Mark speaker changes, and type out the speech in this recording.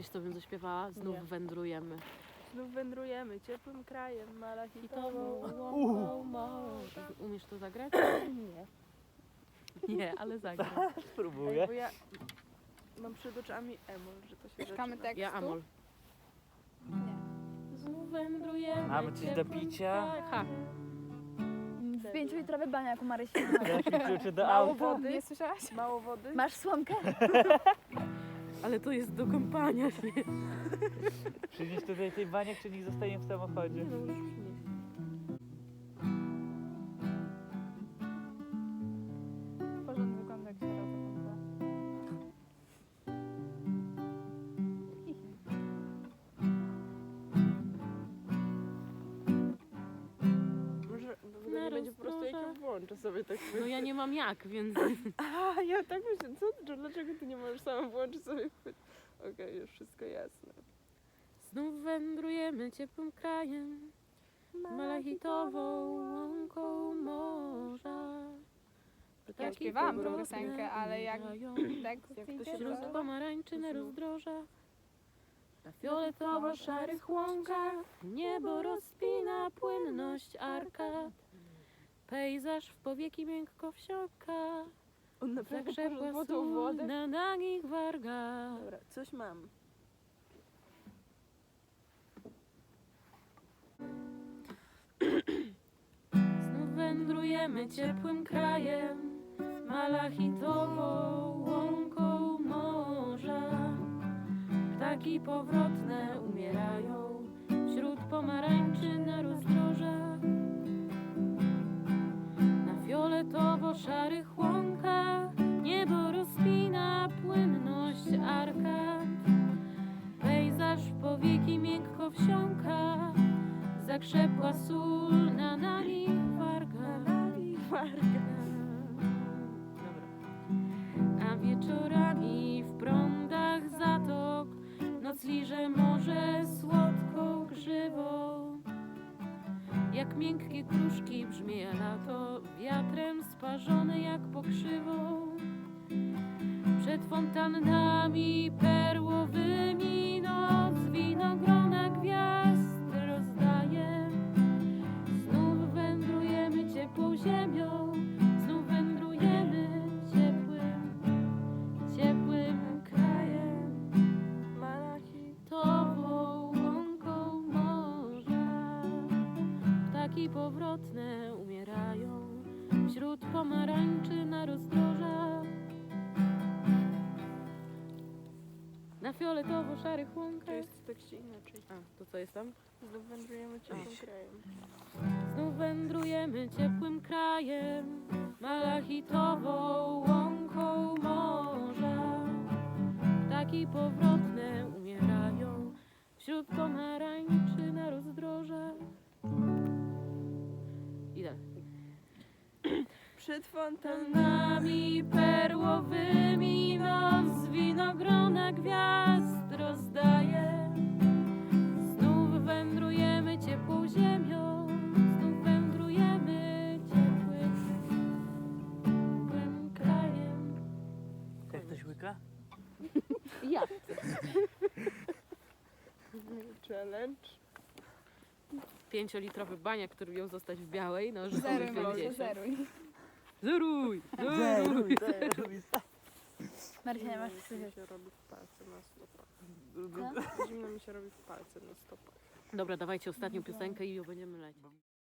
Speaker 1: Wiesz co bym zaśpiewała? Znów
Speaker 2: Nie.
Speaker 1: wędrujemy.
Speaker 2: Znów wędrujemy ciepłym krajem, malachitową
Speaker 1: Łąką morza. Umiesz to zagrać?
Speaker 2: Nie.
Speaker 1: Nie, ale zagraj.
Speaker 3: Spróbuję.
Speaker 2: Bo ja mam przed oczami emol, że to się
Speaker 4: Szukamy
Speaker 2: zaczyna.
Speaker 4: tekstu?
Speaker 1: Ja Amol.
Speaker 4: Nie.
Speaker 1: Znów wędrujemy.
Speaker 3: Mamy coś do
Speaker 1: ciepłym
Speaker 3: picia?
Speaker 1: krajem. Ha.
Speaker 4: W 5-litrowy baniak u Marysi.
Speaker 3: Dasz mi klucze do
Speaker 2: Mało
Speaker 3: auta?
Speaker 2: wody?
Speaker 4: Nie słyszałaś?
Speaker 2: Mało wody?
Speaker 4: Masz słomkę?
Speaker 1: Ale to jest do kąpania się.
Speaker 3: Przynieś tutaj tej baniak, czy niech zostanie w samochodzie?
Speaker 2: No, możesz przynieść.
Speaker 4: Porządny wygląda jak się rozgląda.
Speaker 2: Może wygodnie będzie po prostu jak ją włączę sobie tak.
Speaker 1: No ja nie mam jak, więc...
Speaker 2: A, ja tak myślę, dlaczego ty nie możesz sama włączyć sobie chwyt? Okej, już wszystko jasne.
Speaker 1: Znów wędrujemy ciepłym krajem, malachitową łąką morza.
Speaker 4: Ja śpiewałam tą piosenkę, ale jak tekst
Speaker 2: Jak to
Speaker 4: idzie,
Speaker 2: się
Speaker 1: Wśród
Speaker 2: nazywa?
Speaker 1: pomarańczy na rozdrożach, na fioletowo-szarych łąkach, niebo rozpina płynność arkad. Pejzaż w powieki miękko wsiąka,
Speaker 2: On naprawdę
Speaker 1: zakrzepła
Speaker 2: poszedł po tą
Speaker 1: sól
Speaker 2: wodę.
Speaker 1: na nagich wargach.
Speaker 2: Dobra, coś mam.
Speaker 1: Znów wędrujemy ciepłym krajem, malachitową łąką morza. Ptaki powrotne umierają wśród pomarańczy na rozdrożach. Na fioletowo-szarych łąkach niebo rozpina płynność arkad. Pejzaż w powieki miękko wsiąka, zakrzepła sól na nagich wargach. A wieczorami w prądach zatok noc liże morze słodką grzywą. Jak miękkie kruszki brzmie lato, wiatrem sparzone jak pokrzywą. Przed fontannami perłowymi noc winogrona gwiazd rozdaje. Znów wędrujemy ciepłą ziemią, znów wędrujemy ciepłym krajem, malachitową łąką morza. Ptaki powrotne umierają wśród pomarańczy na rozdrożach. Na fioletowo-szarych
Speaker 2: To
Speaker 1: łąkach.
Speaker 2: jest w tekście inaczej.
Speaker 1: A, to co jest tam?
Speaker 2: Znów wędrujemy ciepłym krajem.
Speaker 1: Znów wędrujemy ciepłym krajem, malachitową łąką morza. Ptaki powrotne umierają wśród pomarańczy na rozdrożach. I dalej.
Speaker 2: Przed fontannami
Speaker 1: Fontannami perłowymi noc winogrona gwiazd rozdaje. Znów wędrujemy ciepłą ziemią, znów wędrujemy ciepłym krajem.
Speaker 3: Jak ktoś łyka?
Speaker 1: Ja.
Speaker 2: challenge.
Speaker 1: 5-litrowy baniak, który miał zostać w białej, no już
Speaker 4: Zeruj,
Speaker 1: mamy
Speaker 4: Marysia,
Speaker 1: 50.
Speaker 4: zeruj.
Speaker 1: Zeruj!
Speaker 3: Zeruj, zeruj.
Speaker 4: Marysia, nie masz
Speaker 2: Zimno mi
Speaker 4: słyszeć.
Speaker 2: się robi w palce na stopach.
Speaker 4: Co?
Speaker 2: Zimno mi się robi w palce na stopach.
Speaker 1: Dobra, dawajcie ostatnią piosenkę i ją będziemy lecieć.